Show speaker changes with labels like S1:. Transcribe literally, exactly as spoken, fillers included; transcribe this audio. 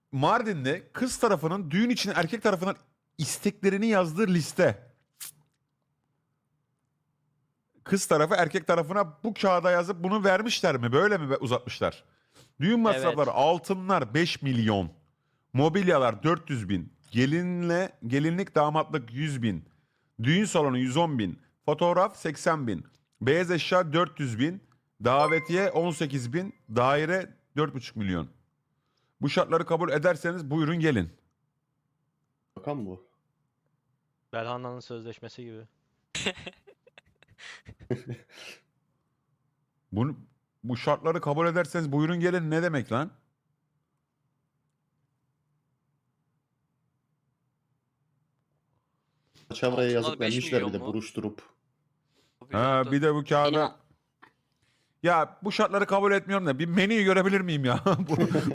S1: Mardin'de kız tarafının düğün için erkek tarafından isteklerini yazdığı liste. Kız tarafı erkek tarafına bu kağıda yazıp bunu vermişler mi? Böyle mi uzatmışlar? Düğün masrafları
S2: Evet.
S1: altınlar beş milyon. Mobilyalar dört yüz bin. Gelinle, gelinlik damatlık yüz bin. Düğün salonu yüz on bin. Fotoğraf seksen bin. Beyaz eşya dört yüz bin. Davetiye on sekiz bin. Daire dört buçuk milyon. Bu şartları kabul ederseniz buyurun gelin.
S3: Bakan bu.
S2: Belhanda'nın sözleşmesi gibi.
S1: Bunu, bu şartları kabul ederseniz buyurun gelin ne demek lan?
S3: Çavraya
S4: Altınlar
S3: yazıp
S4: beş
S3: vermişler bir
S4: milyon
S3: de
S4: mu?
S3: buruşturup.
S1: Ha, bir de bu kağıda...
S5: Benim-
S1: Ya bu şartları kabul etmiyorum da bir menüyü görebilir miyim ya? Bu-